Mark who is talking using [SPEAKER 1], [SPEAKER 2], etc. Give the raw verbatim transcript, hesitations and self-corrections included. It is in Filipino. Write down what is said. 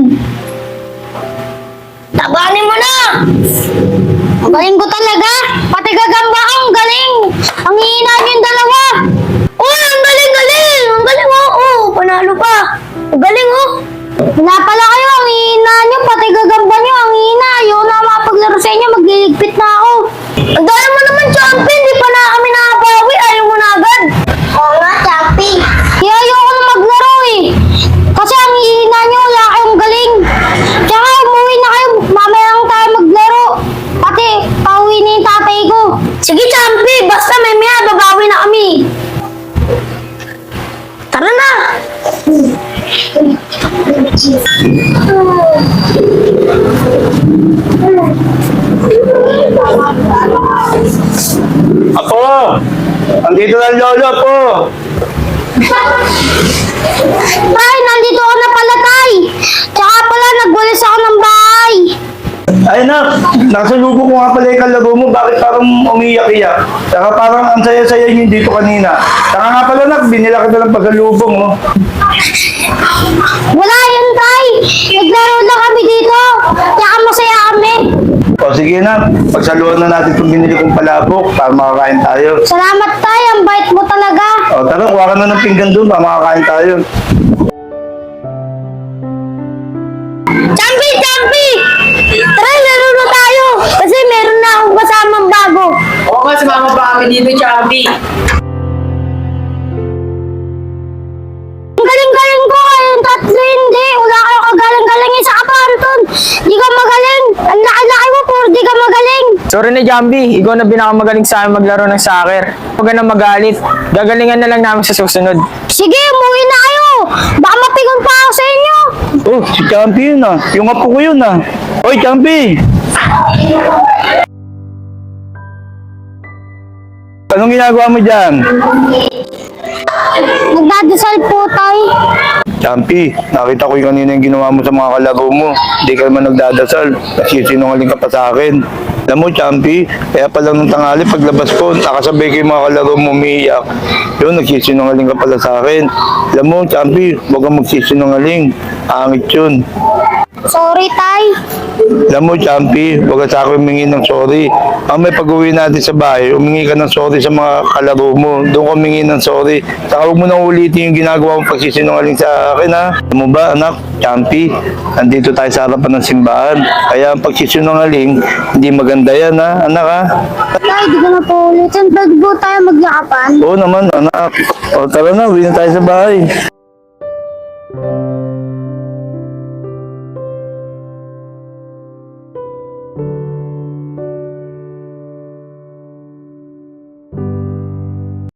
[SPEAKER 1] Tabanin mo na! Ang galing ko talaga! Pati gagamba ka, ang galing! Ang hihina niyo yung dalawa! Oh, ang galing, galing! Ang galing, oh! Oh, panalo pa! Ang galing, oh! Wala pala kayo, ang hihina niyo, pati gagamba niyo, ang hihina! Ayaw na makapaglaro sa inyo, magliligpit na ako! Ang dami mo naman, Champi! Hindi pa na kami nakabawi, ayaw mo na agad! Oo nga, Champi! Kaya ayoko na maglaro eh! Kasi ang hihina niyo, wala kayong galing! Tsaka umuwi na kayo, mamaya lang tayo maglaro! Pati, pauwi na yung tatay ko! Sige, Champi! Basta may maya, babawi na kami! Tara na!
[SPEAKER 2] Apo! Andito na ang lolo po!
[SPEAKER 1] Tay, nandito ako na pala, Tay! Tsaka pala, nagwalis ako ng bahay!
[SPEAKER 2] Ay na, nakasalubong ko nga pala yung kalaro mo, bakit parang umiyak-iyak? Saka parang ang saya-saya niyo dito kanina. Saka nga pala nak, binila kita ng pasalubong, oh.
[SPEAKER 1] Wala yun, Tay! Naglaro lang kami dito! Tsaka masaya kami!
[SPEAKER 2] O sige na, pagsaluhan na natin itong binili kong palabok para makakain tayo.
[SPEAKER 1] Salamat, Tay! Ang bait mo talaga!
[SPEAKER 2] O tara, kuha ka na ng pinggan doon para makakain tayo.
[SPEAKER 1] Champi! Champi! Tara, laro na tayo! Kasi meron na akong kasamang bago!
[SPEAKER 3] Oo nga, sumama pa kami dito, Champi.
[SPEAKER 1] Ang galing-galing ko! Kayong tatlo hindi! Wala kayong kagaling-galing sa kapanton! Di ka magaling! Ang laki-laki mo, puro di ka magaling!
[SPEAKER 3] Sorry na, Jambi. Ikaw na pinakamagaling sa amin maglaro ng soccer. Huwag ka na magalit. Gagalingan na lang namin sa susunod.
[SPEAKER 1] Sige, umuwi na kayo! Baka mapigon pa ako sa inyo!
[SPEAKER 2] Oh, si Champi yun ah. Yung apo ko yun ah. Oy, Champi! Anong ginagawa mo dyan?
[SPEAKER 1] Nagdadasal po, Tay.
[SPEAKER 2] Champi, nakita ko yung kanina yung ginawa mo sa mga kalaro mo. Hindi ka naman nagdadasal. Nagsisinungaling ka pa sa akin. Alam mo, Champi, kaya pala nung tanghali paglabas ko, nakasabay ko yung mga kalaro mo umiiyak. Yun, nagsisinungaling ka pala sa akin. Alam mo, Champi, huwag kang magsisinungaling. Angit yun.
[SPEAKER 1] Sorry, Tay.
[SPEAKER 2] Alam mo, Champi, huwag ka sa akin humingi ng sorry. Ang may pag-uwi natin sa bahay, humingi ka ng sorry sa mga kalaro mo. Doon ka humingi ng sorry. Saka huwag mo nang ulitin yung ginagawa mong pagsisinungaling sa akin, ha? Alam mo ba, anak, Champi, andito tayo sa harapan ng simbahan. Kaya ang pagsisinungaling, hindi maganda yan, ha? Anak, ha?
[SPEAKER 1] Tay, di ko na po ulitin. Pwede po tayo magyakapan.
[SPEAKER 2] Oo naman, anak. O, tara na, uwi na tayo sa bahay.